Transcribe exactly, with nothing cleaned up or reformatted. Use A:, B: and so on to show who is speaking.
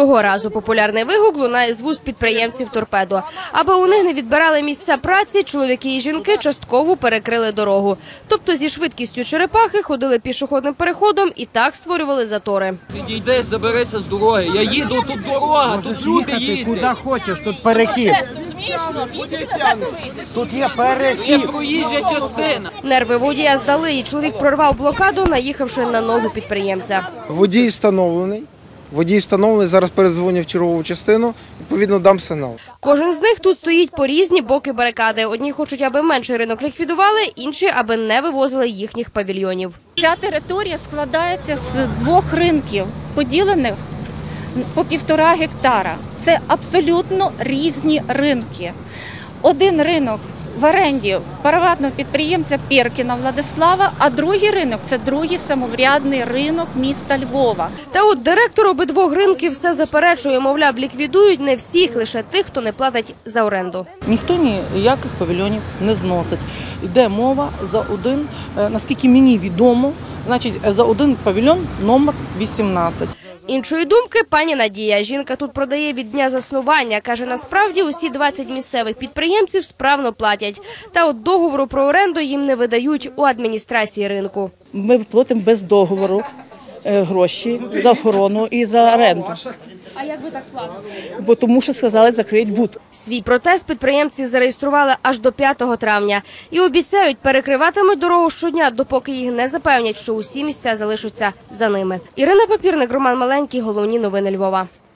A: Цього разу популярний вигук лунає з вуст підприємців «Торпедо». Аби у них не відбирали місця праці, чоловіки і жінки частково перекрили дорогу. Тобто зі швидкістю черепахи ходили пішохідним переходом і так створювали затори.
B: Підійди, заберися з дороги. Я їду, тут дорога, тут люди їздять.
C: Куди хочеш, тут перехід. Тут є перехід.
B: Є проїжджа частина.
A: Нерви водія здали, і чоловік прорвав блокаду, наїхавши на ногу підприємця.
D: Водій встановлений. Водій встановлений, зараз передзвоню в чергову частину, відповідно дам сигнал.
A: Кожен з них тут стоїть по різні боки барикади. Одні хочуть, аби менший ринок ліквідували, інші, аби не вивозили їхніх павільйонів.
E: Ця територія складається з двох ринків, поділених по півтора гектара. Це абсолютно різні ринки. Один ринок в оренді приватного підприємця Перкіна Владислава, а другий ринок – це другий самоврядний ринок міста Львова.
A: Та от директор обидвох ринків все заперечує, мовляв, ліквідують не всіх, лише тих, хто не платить за оренду.
F: Ніхто ніяких павільйонів не зносить. Йде мова за один, наскільки мені відомо, значить за один павільйон номер вісімнадцять.
A: Іншої думки пані Надія. Жінка тут продає від дня заснування. Каже, насправді усі двадцять місцевих підприємців справно платять. Та от договору про оренду їм не видають у адміністрації ринку.
F: Ми платимо без договору гроші за охорону і за оренду.
A: А як ви так платите?
F: Бо тому що сказали, закриють бут.
A: Свій протест підприємці зареєстрували аж до п'ятого травня. І обіцяють, перекриватимуть дорогу щодня, допоки їх не запевнять, що усі місця залишаться за ними. Ірина Папірник, Роман Маленький. Головні новини Львова.